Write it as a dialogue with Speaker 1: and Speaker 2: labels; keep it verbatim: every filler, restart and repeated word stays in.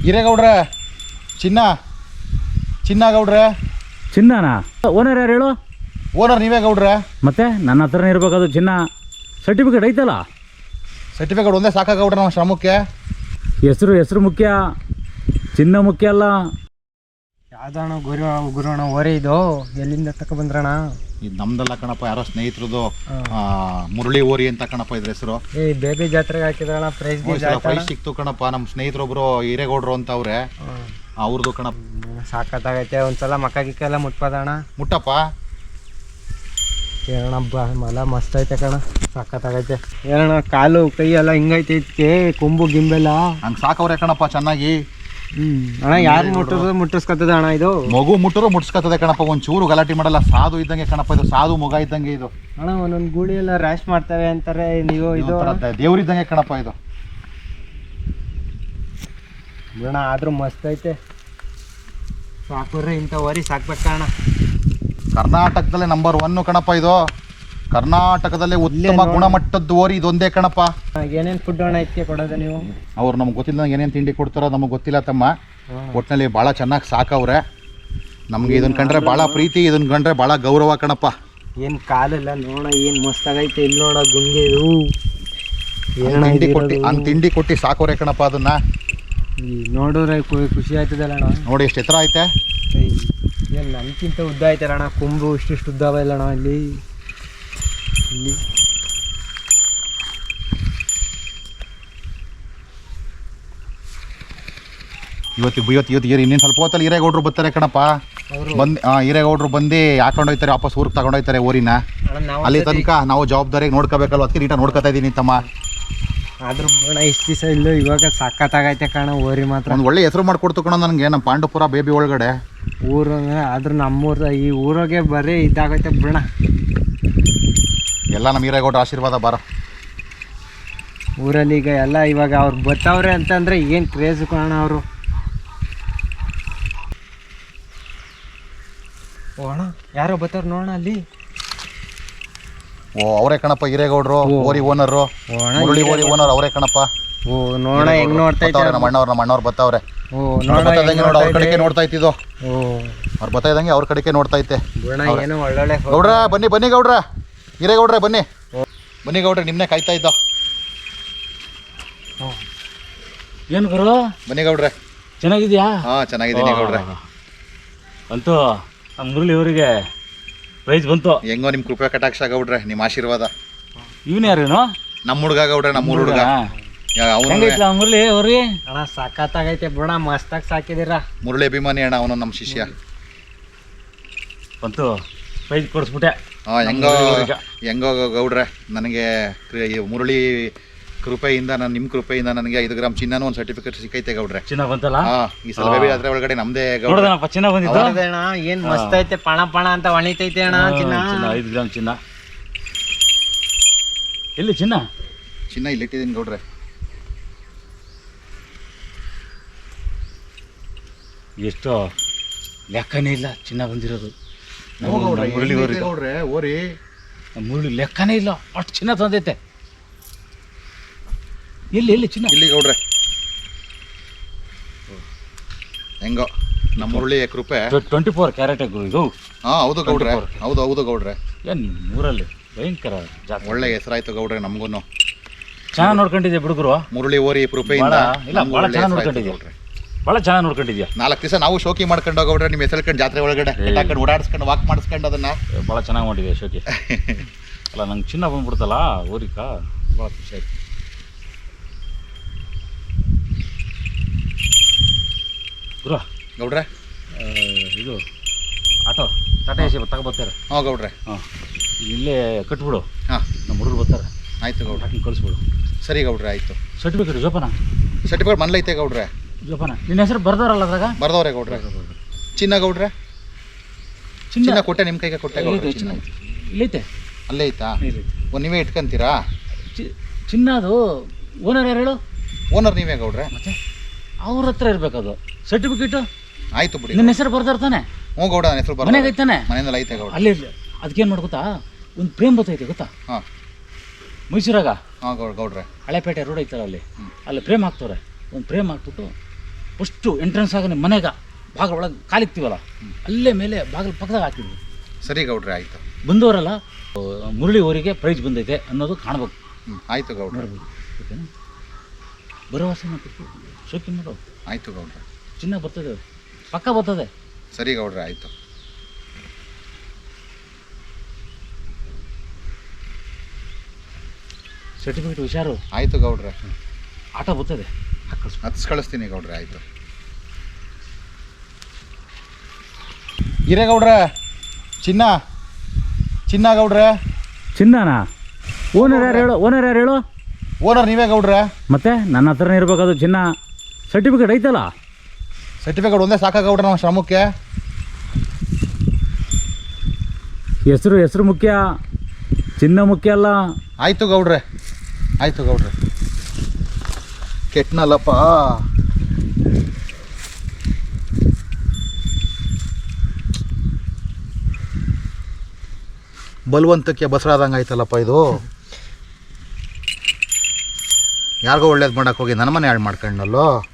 Speaker 1: ಹಿರೇಗೌಡ್ರೆ ಚಿನ್ನ ಚಿನ್ನ ಗೌಡ್ರೆ.
Speaker 2: ಚಿನ್ನನಾ? ಓನರ್ ಯಾರು ಹೇಳು?
Speaker 1: ಓನರ್ ನೀವೇ ಗೌಡ್ರೆ.
Speaker 2: ಮತ್ತೆ ನನ್ನ ಹತ್ರನೇ ಇರ್ಬೇಕದು ಚಿನ್ನ. ಸರ್ಟಿಫಿಕೇಟ್ ಐತಲ್ಲ?
Speaker 1: ಸರ್ಟಿಫಿಕೇಟ್ ಒಂದೇ ಸಾಕ ಗೌಡ್ರೆ ನಮ್ಮ ಶ್ರಮಕ್ಕೆ.
Speaker 2: ಹೆಸರು ಹೆಸರು ಮುಖ್ಯ, ಚಿನ್ನ ಮುಖ್ಯ ಅಲ್ಲ.
Speaker 3: ಯಾವ್ದಣ್ಣ ಗುರು ಗುರುಣ ಓರೆ ಇದು ಎಲ್ಲಿಂದ ತಕ ಬಂದ್ರಣ?
Speaker 1: ಇದು ನಮ್ದಲ್ಲ ಕಣಪ್ಪ, ಯಾರೋ ಸ್ನೇಹಿತರದು ಮುರಳಿ ಓರಿ ಅಂತ ಕಣಪ್ಪ ಇದ್ರ ಹೆಸರು.
Speaker 3: ಏ ಬೇಬಿ ಜಾತ್ರೆಗೆ ಹಾಕಿದ್ರಣ ಪ್ರೈಸ್
Speaker 1: ಪ್ರೈಸ್ ಸಿಕ್ತು ಕಣಪ್ಪ. ನಮ್ಮ ಸ್ನೇಹಿತರೊಬ್ರು ಹಿರೇಗೌಡ್ರು ಅಂತ ಅವ್ರೆ, ಅವ್ರದ್ದು ಕಣಪ್ಪ.
Speaker 3: ಸಾಕತ್ತಾಗೈತೆ. ಒಂದ್ಸಲ ಮಕ್ಕ ಗಿಕ್ಕ ಎಲ್ಲ ಮುಟ್ಪದಣ್ಣ.
Speaker 1: ಮುಟ್ಟಪ್ಪ
Speaker 3: ಏನಣ್ಣ ಬ ಮಲ ಮಸ್ತ್ ಐತೆ ಕಣ, ಸಾಕತ್ತಾಗೈತೆ. ಏನಣ್ಣ ಕಾಲು ಕೈ ಎಲ್ಲ ಹಿಂಗೈತೈತೆ, ಕೊಂಬು ಗಿಂಬೆಲ್ಲ
Speaker 1: ಹಂಗೆ ಸಾಕವ್ರೆ ಕಣಪ್ಪ ಚೆನ್ನಾಗಿ.
Speaker 3: ಹ್ಮ್ ಅಣ್ಣ ಯಾರು ಮುಟ್ಟಿಸ್ ಮುಟ್ಟಿಸ್ಕೊತದ ಅಣ್ಣ ಇದು?
Speaker 1: ಮಗು ಮುಟ್ಟರು ಮುಟ್ಟಿಸ್ಕೊತದೆ ಕಣಪ್ಪ, ಒಂಚೂರು ಗಲಾಟೆ ಮಾಡಲ್ಲ. ಸಾಧು ಇದ್ದಂಗೆ ಕಣಪ್ಪ ಇದು, ಸಾಧು ಮಗ ಇದ್ದಂಗೆ ಇದು.
Speaker 3: ಅಣ್ಣ ಒಂದೊಂದು ಗೂಳಿ ಎಲ್ಲ ರ್ಯಾಶ್ ಮಾಡ್ತಾರೆ ಅಂತಾರೆ, ನೀವು ಇದು
Speaker 1: ದೇವ್ರಿದ್ದಂಗೆ ಕಣಪ್ಪ ಇದು.
Speaker 3: ಬಿಡೋಣ ಆದ್ರೂ ಮಸ್ತ್ ಐತೆ. ಸಾಕುರ್ರೆ ಇಂಥ ವರಿ ಸಾಕ್ಬೇಕಣ್ಣ.
Speaker 1: ಕರ್ನಾಟಕದಲ್ಲೇ ನಂಬರ್ ಒನ್ ಕಣಪ್ಪ ಇದು. ಕರ್ನಾಟಕದಲ್ಲೇ ಉತ್ತಮ ಗುಣಮಟ್ಟದ ಓರಿ ಇದೊಂದೇ ಕಣಪ್ಪ.
Speaker 3: ಏನೇನು ಫುಡ್ ಅಣ್ಣ ಇದಕ್ಕೆ ಕೊಡೋದು ನೀವು?
Speaker 1: ಅವ್ರು ನಮ್ಗೆ ಗೊತ್ತಿಲ್ಲ ಏನೇನು ತಿಂಡಿ ಕೊಡ್ತಾರೋ ನಮಗೆ ಗೊತ್ತಿಲ್ಲ ತಮ್ಮ. ಒಟ್ಟಿನಲ್ಲಿ ಭಾಳ ಚೆನ್ನಾಗಿ ಸಾಕವ್ರೆ. ನಮಗೆ ಇದನ್ನ ಕಂಡ್ರೆ ಭಾಳ ಪ್ರೀತಿ, ಇದನ್ನ ಕಂಡ್ರೆ ಭಾಳ ಗೌರವ ಕಣಪ್ಪ.
Speaker 3: ಏನು ಕಾಲೆಲ್ಲ ನೋಡ ಏನು ಮಸ್ತಾಗೈತೆ. ಇಲ್ಲಿ ನೋಡ ಗುಂಗೆ ಇದು
Speaker 1: ತಿಂಡಿ ಕೊಟ್ಟು ಹಂಗೆ ತಿಂಡಿ ಕೊಟ್ಟು ಸಾಕವ್ರೆ ಕಣಪ್ಪ ಅದನ್ನ.
Speaker 3: ನೋಡಿದ್ರೆ ಖುಷಿ ಆಯ್ತದಲ್ಲ ಅಣ್ಣ.
Speaker 1: ನೋಡಿ ಎಷ್ಟು ಎತ್ತರ ಐತೆ.
Speaker 3: ಏನು ನನ್ಕಿಂತ ಉದ್ದ ಐತಲ್ಲ ಅಣ್ಣ, ಕೊಂಬು ಇಷ್ಟಿಷ್ಟು ಉದ್ದ ಇಲ್ಲ ಅಣ್ಣ ಇಲ್ಲಿ ಇಲ್ಲಿ.
Speaker 1: ಇವತ್ತು ಇವತ್ತು ಇವತ್ತು ಇನ್ನೇನು ಸ್ವಲ್ಪ ಹೊತ್ತಲ್ಲಿ ಹಿರೇಗೌಡ್ರು ಬರ್ತಾರೆ ಕಣಪ್ಪ. ಬಂದು ಹಾಂ ಹಿರೇಗೌಡ್ರು ಬಂದು ಹಾಕೊಂಡು ಹೋಗ್ತಾರೆ, ವಾಪಸ್ ಊರಿಗೆ ತಗೊಂಡು ಹೋಗ್ತಾರೆ ಓರಿನ. ಅಲ್ಲಿ ತನಕ ನಾವು ಜವಾಬ್ದಾರಿಯಾಗಿ ನೋಡ್ಕೋಬೇಕಲ್ವ, ಅದಕ್ಕೆ ನೀಟಾಗಿ ನೋಡ್ಕೊತಾ ಇದ್ದೀನಿ ತಮ್ಮ.
Speaker 3: ಆದ್ರೂ ಅಣ್ಣ ಇಷ್ಟು ದಿವಸ ಇಲ್ಲ, ಇವಾಗ ಸಖತ್ತಾಗೈತೆ ಕಣ ಓರಿ ಮಾತ್ರ.
Speaker 1: ಒಂದು ಒಳ್ಳೆ ಹೆಸರು ಮಾಡಿಕೊಡ್ತು ಕಣ ನನಗೆ ನಮ್ಮ ಪಾಂಡುಪುರ ಬೇಬಿ ಒಳಗಡೆ
Speaker 3: ಊರು. ಆದ್ರೂ ನಮ್ಮೂರ ಈ ಊರಾಗೆ ಬರೀ ಇದಾಗೈತೆ ಬಿಡೋಣ.
Speaker 1: ಎಲ್ಲ ನಮ್ಮ ಹಿರೇಗೌಡ್ರ ಆಶೀರ್ವಾದ ಬಾರ.
Speaker 3: ಊರಲ್ಲಿ ಈಗ ಎಲ್ಲ ಇವಾಗ ಅವ್ರು ಬರ್ತಾವ್ರೆ ಅಂತಂದ್ರೆ ಏನು ಕ್ರೇಜ್ ಕಾಣ ಅವರು. ಓ ಅಣ್ಣ ಯಾರೋ ಬರ್ತಾವ್ರು ನೋಡೋಣ ಅಲ್ಲಿ.
Speaker 1: ಓ ಅವರೇ ಕಣಪ್ಪ ಹಿರೇಗೌಡ್ರು ಓರಿ ಓನರು, ಮುರಳಿ ಓರಿ ಓನರ್ ಅವರೇ ಕಣಪ್ಪ.
Speaker 3: ಓ ನೋಡ ಹೆಂಗ್ ನೋಡ್ತಾ ಇದ್ದಾರೆ
Speaker 1: ನಮ್ಮ ಅಣ್ಣವ್ರು ನಮ್ಮ ಅಣ್ಣವ್ರು ಬರ್ತಾವ್ರೆ.
Speaker 3: ಓ ನೋಡ
Speaker 1: ನೋಡ ಅವ್ರ ಕಡೆಗೆ ನೋಡ್ತಾ ಇತ್ತಿದ್ದು.
Speaker 3: ಓ
Speaker 1: ಅವ್ರು ಬರ್ತಾ ಇದ್ದಂಗೆ ಅವ್ರ ಕಡೆಗೆ ನೋಡ್ತಾ ಇತ್ತೆ.
Speaker 3: ಏನೋ ಒಳ್ಳೊಳ್ಳೆ
Speaker 1: ಗೌಡ್ರ ಬನ್ನಿ ಬನ್ನಿ ಗೌಡ್ರ, ಹಿರೇಗೌಡ್ರೆ ಬನ್ನಿ ಬನ್ನಿ ಗೌಡ್ರೆ, ನಿಮ್ಮನ್ನೇ ಕಾಯ್ತಾ ಇದ್ದ.
Speaker 2: ಏನು ಗುರು?
Speaker 1: ಬನ್ನಿ ಗೌಡ್ರೆ.
Speaker 2: ಚೆನ್ನಾಗಿದ್ಯಾ?
Speaker 1: ಹಾಂ ಚೆನ್ನಾಗಿದ್ದೀನಿ ಗೌಡ್ರೆ.
Speaker 2: ಅಂತೂ ನಮ್ಮ ಮುರಳಿ ಅವರಿಗೆ ಪ್ರೈಸ್ ಬಂತು.
Speaker 1: ಹೆಂಗೋ ನಿಮ್ಮ ಕೃಪೆ ಕಟಾಕ್ಷ ಗೌಡ್ರೆ, ನಿಮ್ಮ ಆಶೀರ್ವಾದ.
Speaker 2: ಇವನು ಯಾರೇನು? ನಮ್ಮ
Speaker 1: ಹುಡುಗ ಗೌಡ್ರೆ, ನಮ್ಮ ಹುಡುಗ.
Speaker 2: ಮುರಳಿ ಅವ್ರಿ
Speaker 3: ಅಣ್ಣ ಸಖತ್ತಾಗೈತೆ ಬಿಡ, ಮಸ್ತಾಗಿ ಸಾಕಿದಿರ.
Speaker 1: ಮುರಳಿ ಅಭಿಮಾನಿ ಅಣ್ಣ ಅವನು, ನಮ್ಮ ಶಿಷ್ಯ.
Speaker 2: ಬಂತು ಪ್ರೈಸ್ ಕೊಡಿಸ್ಬಿಟ್ಟೆ.
Speaker 1: ಹಾಂ ಹೆಂಗೋ ಹೆಂಗೋ ಗೌಡ್ರೆ, ನನಗೆ ಮುರಳಿ ಕೃಪೆಯಿಂದ, ನಾನು ನಿಮ್ಮ ಕೃಪೆಯಿಂದ ನನಗೆ ಐದು ಗ್ರಾಮ್ ಚಿನ್ನನೂ ಒಂದು ಸರ್ಟಿಫಿಕೇಟ್ ಸಿಕ್ಕೈತೆ ಗೌಡ್ರೆ.
Speaker 2: ಚಿನ್ನ ಬಂತಲ್ಲ?
Speaker 1: ಹಾಂ ಈ ಸಲ ಬೇಬಿ ಜಾತ್ರೆ ಒಳಗಡೆ ನಮ್ಮದೇ ಗೌಡ್ರೆ
Speaker 2: ಚಿನ್ನ ಬಂದಿತ್ತು
Speaker 3: ಅಣ್ಣ. ಏನು ಮಸ್ತ್ ಐತೆ, ಪಣ ಪಣ ಅಂತ ಒಣಿತೈತೆ ಅಣ್ಣ ಚಿನ್ನ.
Speaker 2: ಐದು ಗ್ರಾಮ್ ಚಿನ್ನ. ಎಲ್ಲಿ ಚಿನ್ನ?
Speaker 1: ಚಿನ್ನ ಇಲ್ಲಿ ಇಟ್ಟಿದ್ದೀನಿ ಗೌಡ್ರೆ.
Speaker 2: ಎಷ್ಟು ಲೆಕ್ಕನೇ ಇಲ್ಲ ಚಿನ್ನ ಬಂದಿರೋದು.
Speaker 1: ಮುರಳಿ ಗೌಡ್ರೆ ಓರಿ
Speaker 2: ಮುರಳಿ ಲೆಕ್ಕನೇ ಇಲ್ಲ, ಅಷ್ಟು ಚಿನ್ನ ತಂದೈತೆ. ಎಲ್ಲಿ ಎಲ್ಲಿ ಚಿನ್ನ?
Speaker 1: ಇಲ್ಲಿ ಗೌಡ್ರೆ. ಹೆಂಗೋ ನಮ್ಮ ಮುರಳಿ ಕೃಪೆ.
Speaker 2: ಟ್ವೆಂಟಿ ಫೋರ್ ಕ್ಯಾರೆಟ್ ಇದು.
Speaker 1: ಹಾಂ ಹೌದು ಗೌಡ್ರೆ, ಹೌದು ಹೌದು ಗೌಡ್ರೆ.
Speaker 2: ಏನು ಊರಲ್ಲಿ ಭಯಂಕರ ಜಾತ್ರೆ.
Speaker 1: ಒಳ್ಳೆ ಹೆಸರಾಯ್ತು ಗೌಡ್ರೆ ನಮಗೂ.
Speaker 2: ಚೆನ್ನಾಗಿ ನೋಡ್ಕೊಂಡಿದ್ದೆ ಹುಡುಗರು.
Speaker 1: ಮುರಳಿ ಓರಿ ಕೃಪೆಯಿಂದ
Speaker 2: ಇಲ್ಲ ಭಾಳ ಚೆನ್ನಾಗಿ ನೋಡ್ಕೊಂಡಿದ್ಯಾ ಗೌಡ್ರೆ, ಭಾಳ ಚೆನ್ನಾಗಿ ನೋಡ್ಕೊಂಡಿದ್ಯಾ.
Speaker 1: ನಾಲ್ಕು ದಿವಸ ನಾವು ಶೋಕಿ ಮಾಡ್ಕೊಂಡು ಗೌಡ್ರೆ ನಿಮ್ಮ ಹೆಸರು ಜಾತ್ರೆ ಒಳಗಡೆ ಹಾಕೊಂಡು ಓಡಾಡಿಸ್ಕೊಂಡು ವಾಕ್ ಮಾಡಿಸ್ಕೊಂಡು ಅದನ್ನ
Speaker 2: ಭಾಳ ಚೆನ್ನಾಗಿ ಮಾಡಿದೆ ಶೋಕಿ. ಅಲ್ಲ ನಂಗೆ ಚಿನ್ನ ಬಂದ್ಬಿಡ್ತಲ್ಲ ಊರಿಕ, ಭಾಳ ಖುಷಿ ಆಯ್ತು. ಗುರು
Speaker 1: ಗೌಡ್ರೆ
Speaker 2: ಇದು ಆಟೋ ಟಾಟಾ ಎಸಿ ತಗೊಬರ್ತಾರೆ.
Speaker 1: ಹಾಂ ಗೌಡ್ರೆ.
Speaker 2: ಹಾಂ ಇಲ್ಲೇ ಕಟ್ಬಿಡು.
Speaker 1: ಹಾಂ
Speaker 2: ನಮ್ಮ ಹುಡುಗರು ಬರ್ತಾರೆ.
Speaker 1: ಆಯಿತು ಗೌಡ್ರೆ,
Speaker 2: ಹಾಕಿ ಕಳಿಸ್ಬಿಡು.
Speaker 1: ಸರಿ ಗೌಡ್ರೆ ಆಯಿತು.
Speaker 2: ಸರ್ಟಿಫಿಕೇಟ್ ಜೋಪಾನ?
Speaker 1: ಸರ್ಟಿಫಿಕೇಟ್ ಮನ್ಲೈತೆ ಗೌಡ್ರೆ.
Speaker 2: ಜೋಪಾನ ನಿನ್ನ ಹೆಸರು ಬರ್ದಾರಲ್ಲ ಅದ್ರಾಗ?
Speaker 1: ಬರ್ದವ್ರೆ ಗೌಡ್ರೆ. ಚಿನ್ನ ಗೌಡ್ರೆ, ಚಿನ್ನ ಕೊಟ್ಟೆ ನಿಮ್ಮ ಕೈಗೆ ಕೊಟ್ಟೆ ಗೌಡ್ರೆ. ಚಿನ್ನ
Speaker 2: ಇಲ್ಲೈತೆ,
Speaker 1: ಅಲ್ಲೇ ಐತಾ? ಓ ನೀವೇ ಇಟ್ಕೊಂತೀರಾ?
Speaker 2: ಚಿನ್ನ ಅದು ಓನರ್ ಯಾರು ಹೇಳು?
Speaker 1: ಓನರ್ ನೀವೇ ಗೌಡ್ರೆ.
Speaker 2: ಮತ್ತೆ ಅವ್ರ ಹತ್ರ ಇರಬೇಕದು ಸರ್ಟಿಫಿಕೇಟು.
Speaker 1: ಆಯಿತು ಬಿಡಿ.
Speaker 2: ನಿನ್ನ ಹೆಸರು ಬರ್ದಾರ ತಾನೆ?
Speaker 1: ಹ್ಞೂ ಗೌಡ, ನನ್ನ ಹೆಸರು
Speaker 2: ಮನೆಗೆ ಐತಾನೆ?
Speaker 1: ಮನೆಯಲ್ಲಿ ಐತೆ ಗೌಡ.
Speaker 2: ಅಲ್ಲಿ ಅದಕ್ಕೇನು ಮಾಡಿ ಗೊತ್ತಾ, ಒಂದು ಪ್ರೇಮ್ ಬರ್ತೈತೆ ಗೊತ್ತಾ?
Speaker 1: ಹಾಂ
Speaker 2: ಮೈಸೂರಾಗ.
Speaker 1: ಹಾಂ ಗೌಡ ಗೌಡ್ರೆ.
Speaker 2: ಹಳೆಪೇಟೆ ರೋಡ್ ಐತಲ್ಲ ಅಲ್ಲಿ, ಅಲ್ಲಿ ಪ್ರೇಮ್ ಹಾಕ್ತವ್ರೆ. ಒಂದು ಪ್ರೇಮ್ ಹಾಕ್ಬಿಟ್ಟು ಫಸ್ಟು ಎಂಟ್ರೆನ್ಸ್ ಆಗ ಮನೆಗೆ ಬಾಗಿಲು ಒಳಗೆ ಕಾಲಿಕ್ತೀವಲ್ಲ ಅಲ್ಲೇ ಮೇಲೆ ಬಾಗಿಲು ಪಕ್ಕದಾಗ ಹಾಕಿದ್ವಿ.
Speaker 1: ಸರಿ ಗೌಡ್ರೆ ಆಯಿತು.
Speaker 2: ಬಂದವರಲ್ಲ ಮುರಳಿ ಅವರಿಗೆ ಪ್ರೈಜ್ ಬಂದೈತೆ ಅನ್ನೋದು ಕಾಣ್ಬೇಕು.
Speaker 1: ಹ್ಞೂ ಆಯಿತು ಗೌಡ್ರೆ.
Speaker 2: ನೋಡ್ಬೋದು ಓಕೆನಾ. ಭರವಸೆ ಮತ್ತು ಶೋಕಿ ಮಾಡೋ
Speaker 1: ಆಯಿತು ಗೌಡ್ರೆ.
Speaker 2: ಚಿನ್ನ ಬರ್ತದೆ, ಪಕ್ಕ ಬರ್ತದೆ.
Speaker 1: ಸರಿ ಗೌಡ್ರೆ ಆಯಿತು.
Speaker 2: ಸರ್ಟಿಫಿಕೇಟ್ ಹುಷಾರು.
Speaker 1: ಆಯಿತು ಗೌಡ್ರೆ.
Speaker 2: ಆಟ ಬರ್ತದೆ, ಹಾಕಲ್ಸ್
Speaker 1: ಹತ್ಸ್ ಕಳಿಸ್ತೀನಿ ಗೌಡ್ರೆ. ಆಯಿತು. ಹಿರೇಗೌಡ್ರೆ ಚಿನ್ನ ಚಿನ್ನ ಗೌಡ್ರೆ.
Speaker 2: ಚಿನ್ನನಾ? ಓನರ್ ಯಾರು ಹೇಳು? ಓನರ್ ಯಾರು ಹೇಳು?
Speaker 1: ಓನರ್ ನೀವೇ ಗೌಡ್ರೆ.
Speaker 2: ಮತ್ತೆ ನನ್ನ ಹತ್ರನೇ ಇರಬೇಕದು ಚಿನ್ನ. ಸರ್ಟಿಫಿಕೇಟ್ ಐತಲ್ಲ?
Speaker 1: ಸರ್ಟಿಫಿಕೇಟ್ ಒಂದೇ ಸಾಕ ಗೌಡ್ರೆ ನಮ್ಮ ಶ್ರಮಕ್ಕೆ.
Speaker 2: ಹೆಸರು ಹೆಸರು ಮುಖ್ಯ, ಚಿನ್ನ ಮುಖ್ಯ ಅಲ್ಲ.
Speaker 1: ಆಯಿತು ಗೌಡ್ರೆ. ಆಯಿತು ಗೌಡ್ರೆ. ಕೆಟ್ನಲ್ಲಪ್ಪ. ಬಲವಂತಕ್ಕೆ ಬಸರಾದಂಗೆ ಆಯ್ತಲ್ಲಪ್ಪ ಇದು. ಯಾರಿಗೋ ಒಳ್ಳೇದು ಮಾಡೋಕ್ಕೆ ಹೋಗಿ ನನ್ನ ಮನೆ ಹಾಳು ಮಾಡ್ಕೊಂಡಲ್ಲೋ.